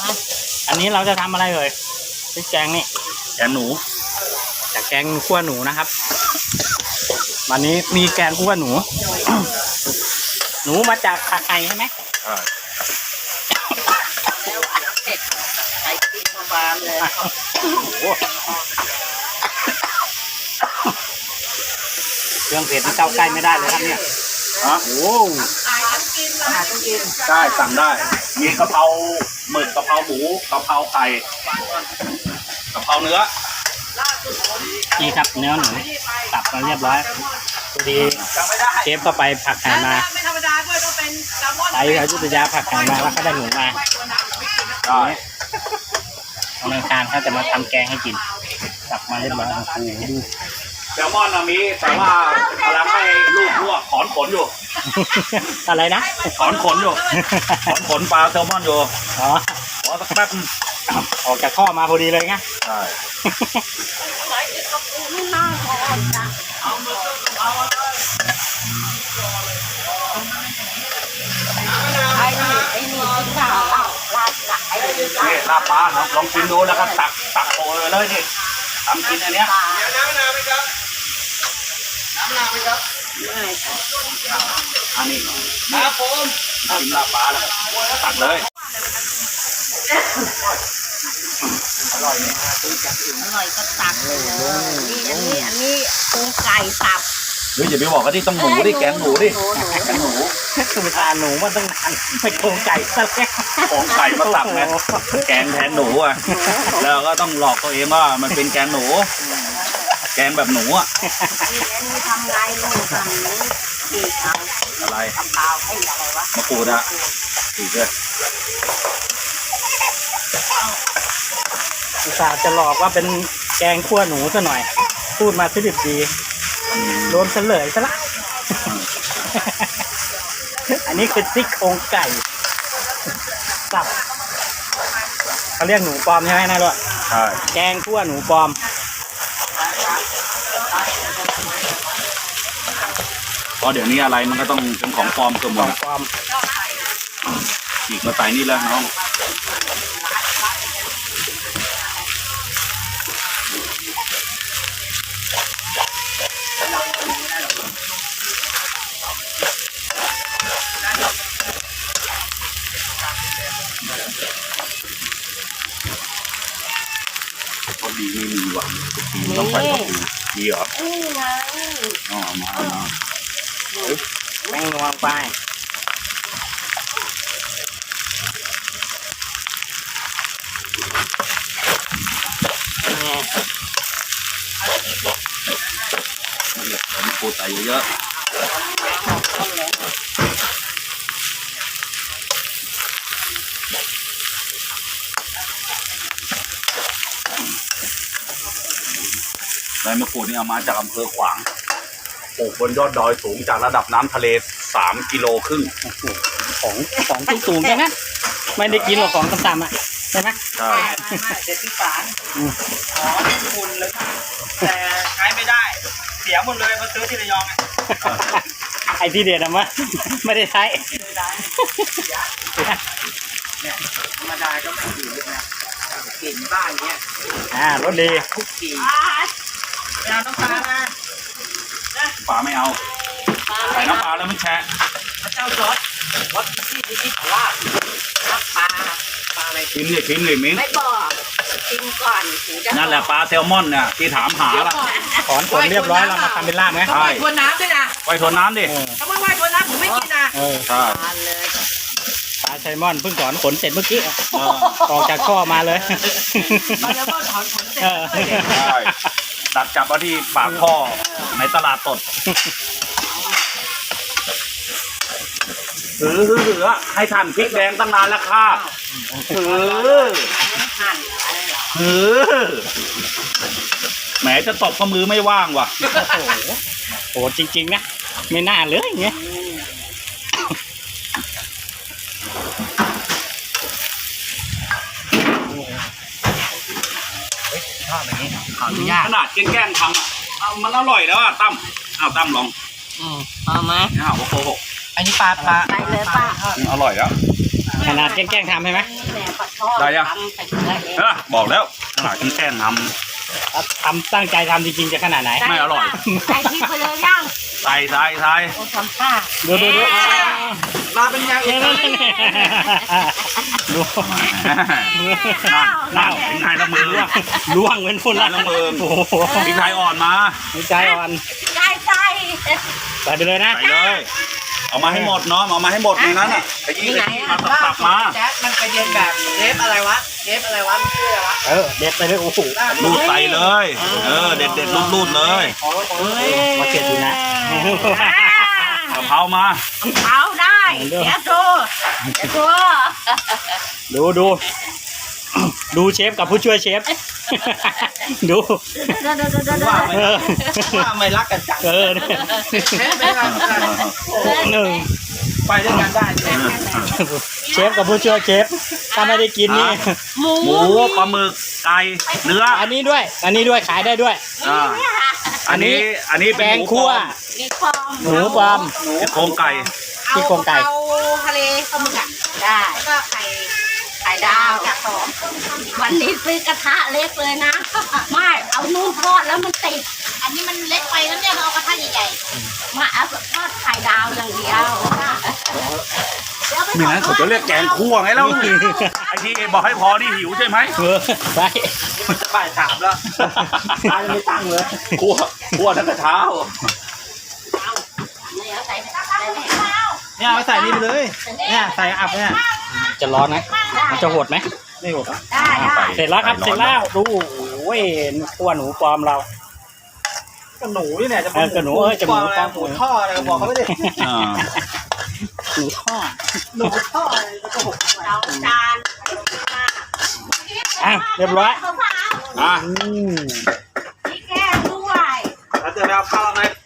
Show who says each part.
Speaker 1: อันนี้เราจะทำอะไรเลยพริกแกงนี่
Speaker 2: แกงหนู
Speaker 1: จากแกงคั่วหนูนะครับ วันนี้มีแกงคั่วหนู หนูมาจากผักไห่ใช่ไหม
Speaker 3: ใส่กินประมาณเลย
Speaker 1: โอ้โหเครื่องเผ็ดที่เข้าใกล้ไม่ได้เลยครับเนี่ย
Speaker 2: ฮะ
Speaker 1: โอ้
Speaker 3: อาหารต้องกิน
Speaker 2: ได้สั่งได้ มีกะเพราหมึกกะเพราหมูกะเพราไก่กะเพราเนื้อ
Speaker 1: นี่ครับเนื้อหนูตับมาเรียบร้อยพอดีเชฟก็ไปผักไห่มา
Speaker 3: ไม่ธรรมดาด้วยต้องเป็นแซลมอน
Speaker 1: ไปอยุธยาผักไห่มาแล้วก็ได้หนูมา
Speaker 2: ได้
Speaker 1: วันอังคารเขาจะมาทำแกงให้กินตับมาเรียบร้อยโอ้โหดู
Speaker 2: แซลมอนน่ะมีแต่ว่ากำลังให้ลูกลวกถอนขนอยู่
Speaker 1: อะไรนะ
Speaker 2: ถอนขนอยู่ถอนขนปลาแซลมอนอยู่
Speaker 1: อ๋อ
Speaker 2: ขอสักแป๊บ
Speaker 1: ออกจากข้อมาพอดีเลยไง
Speaker 2: ใช่
Speaker 3: ไม่น่าพอจ้ะไอ้นี่กินข้าวลาดไอ้นี่
Speaker 2: นี่ลาบปลาลองชิมดูแล้วก็ตักโปรยเลยนี่ทำกินอันเนี้ย อันนี้ครับผมกินลาบปลาแล้วตักเลย
Speaker 3: อร่อยก็ตักเลยอันนี้ปูไก่สับ
Speaker 2: เฮ้ยอย่าไปบอกว่าที่ต้องหมูดิแกงหมูดิแกงหมู
Speaker 1: คือตาหนูมันต้องนานไม่โครงไก่ซะแล้ว
Speaker 2: ของไก่มาตักไงแกงแทนหนูอ่ะแล้วก็ต้องหลอกตัวเองว่ามันเป็นแกงหนู แกงแบบหนูอ่ะ
Speaker 3: อันนี้ทำไงลูกทำนี้อีกเอา
Speaker 2: อะไร
Speaker 3: เปล่าให้อะไรวะ
Speaker 2: มะกรูดอ่ะอีกเลย
Speaker 1: อุตส่าห์จะหลอกว่าเป็นแกงคั่วหนูซะหน่อย พูดมาสิดิบดีโดนเฉลยซะละ อันนี้คือซี่โครงไก่สับเขาเรียกหนูปลอมใช่ไหมนายลูก
Speaker 2: ใช่
Speaker 1: แกงคั่วหนูปลอม
Speaker 2: เพราะเดี๋ยวนี้อะไรมันก็ต้องเป็นของปลอมเกือบหมดอะ
Speaker 1: ปลอม
Speaker 2: อีกมาใส่นี่แล้วน้องพอดีไม่มีว่ะดีมันต้องใส่พอดีดีเหรอ
Speaker 3: นี่ไง
Speaker 2: เอามา
Speaker 1: แม่งนวงไปนี่
Speaker 2: ผมปูใส่เยอะใบมะกรูดนี่เอามาจากอำเภอขวางปลูกบนยอดดอยสูงจากระดับน้ำทะเล3 กิโลครึ่ง
Speaker 1: ของสูงๆใช่ไหมไม่ได้กินหรอกของต่ำๆอ่ะใช่ไหม
Speaker 2: ใช่
Speaker 3: ไม่เด็ดที่ฝานอ๋อคุณเลยแต่ใช้ไม่ได้ เสียหมดเลยมาซื้อที่ระยองอ่ะ
Speaker 1: ไอที่เด็ดอะมะไม่ได้ใช้
Speaker 3: ไม่ได้เนี่ยธรรมดาก็ไม่ดีนะกลิ่นบ้านเนี้ย
Speaker 1: รสดี
Speaker 3: คุกกี้ยาต้องปลามา
Speaker 2: ปลาไม่เอาใส่น้ำปลาแล้วไม่แช่
Speaker 3: พระเจ้าจอร์ดวัดที่ของลาบน้ำปลาอะไร
Speaker 2: ชิ้นเลยมิ้น
Speaker 3: ไม่บอกกินก่อนถึงจะ
Speaker 2: นั่นแหละปลาแซลมอนเนี่ยที่ถามหาละ
Speaker 1: ถอนขนเรียบร้อยเรามาทำเป็นลาบไหม
Speaker 3: ต้องไหว้ทวนน้ำด้วยนะ
Speaker 2: ไว้ทนน้ำดิ
Speaker 3: ถ้าไม่ไหว้ทวนน้ำผมไม่กินนะ
Speaker 2: ใช่
Speaker 3: ทานเลย
Speaker 1: ปลาไซมอนเพิ่งถอนขนเสร็จเมื่อกี้ออกจากข้อมาเลย
Speaker 3: มาแล้วก็ถอนขนเสร็จ
Speaker 2: ใช่ดักจับมาที่ปากท่อในตลาดสดหือให้ท่านพริกแดงตั้งนานแล้วค่ะหือ
Speaker 3: หั่นอะไรเหรอ
Speaker 2: หือแหมจะตบก็มือไม่ว่างว่ะ
Speaker 1: โอ้โหโหจริงๆนะไม่น่าเลยอย่างเงี้ย ชอบแบบนี้ขออนุญาต
Speaker 2: ขนาดแกล้งทำอ่ะเอามันอร่อยแล้วอ่ะตั้มเอาตั้มลอง
Speaker 3: เอาไหม
Speaker 2: เอาว่าโกหก
Speaker 1: อันนี้ปลา
Speaker 3: ไปเลยป้า
Speaker 2: อร่อยแล้ว
Speaker 3: ไม่
Speaker 1: ขนาดแกล้งๆทำใช่ไหม
Speaker 2: ได้ยังบอกแล้วขนาดแกล้งท
Speaker 1: ทำตั้งใจทำจริงๆจะขนาดไหน
Speaker 2: ำไม่อร่อย
Speaker 4: ใส่พริกไปเลยย่าง
Speaker 2: ใส่
Speaker 4: โอ้ทำท่า
Speaker 1: ดู
Speaker 3: มาเป็นยังอีก
Speaker 1: ดู
Speaker 2: นั่นพริกไทยละมือ
Speaker 1: ล่วงเป็นฝุ่นละ
Speaker 2: ละมือ
Speaker 1: โอ้โห
Speaker 2: พริกไทยอ่อนมา
Speaker 1: หัวใจอ่อน
Speaker 4: ใส่ใส่
Speaker 1: ใส่ไปเลยนะ
Speaker 2: ใส่เลยเอามาให้หมดเนาะเอามาให้หมดในนั้นอ่ะขยี้มาตักมา
Speaker 3: แจ๊คมันไปเรียนแบบเชฟอะไรวะมันชื่ออะไรวะ
Speaker 1: เด็ดไปเลยโอ้โห
Speaker 2: รูดใส่เลยเด็ดรูดเลย
Speaker 1: มาเก็บอยู่นะ
Speaker 2: กะเพรามา
Speaker 4: เอาได้เดี๋ยวดู
Speaker 1: ดูเชฟกับผู้ช่วยเชฟ ดู
Speaker 3: ว่าไม่รักกันจัง เชฟไม่รักกัน
Speaker 1: หนึ่ง
Speaker 3: ไปด้วยกันได้
Speaker 1: เชฟกับผู้ช่วยเชฟถ้าไม่ได้กินนี่
Speaker 2: หมูปลาหมึกไก่เนื้อ
Speaker 1: อันนี้ด้วยขายได้ด้วย
Speaker 2: อันนี้เป็
Speaker 1: แก
Speaker 2: น
Speaker 1: ง
Speaker 2: หมู
Speaker 1: คั่ว
Speaker 4: มีฟอง
Speaker 1: หมูปลอม
Speaker 2: โครงไก่
Speaker 1: ที่โครงไก่
Speaker 4: เอาทะเลปลาหมึกอ่ะได้ก็ไข่ดาวจากหอมวันนี้ซื้อกระทะเล็กเลยนะไม่เอานู่นทอดแล้วมันติดอันนี้มันเล็กไปแล้วเนี่ยเอากระทะใหญ่ๆมาเอาทอดไข่ดาวอย่างเดียว
Speaker 2: ไม่งั้นเขาจะเรียกแกงคั่วไงเล่าไอ้ที่บอกให้พอนี่หิวใช่ไหม
Speaker 1: ไป
Speaker 3: มันจะบ่ายสามแล้วตายังไม่ตั้งเลย
Speaker 2: คั่วทั้งกระเช้า
Speaker 4: เนี่ยใส่
Speaker 3: เนี่ยเอาใส่นี่ไปเลยเนี่ยใส่อับเนี่ย
Speaker 1: จะร้อนไหมมันจะหดไหม
Speaker 3: ไม่หมด
Speaker 4: ได้ได้
Speaker 1: เสร็จแล้วครับ เสร็จแล้วดูโอ้ยขั้วหนูปลอมเรา
Speaker 3: ก็หนูนี่เนี่ยจะ
Speaker 1: ก็หนูจะหมูปลอม
Speaker 3: หมูท่ออะไรบอกเขาไม่ได้
Speaker 1: หนูทอด
Speaker 3: หนูท่ออะไรก็โกหก
Speaker 4: เราจาน
Speaker 1: เรียบร้อย
Speaker 4: มะพร้าว
Speaker 2: อ่ะ
Speaker 1: อืม
Speaker 4: พริกแกงด้วย
Speaker 3: เราจะไปเอาข้าวเราไหม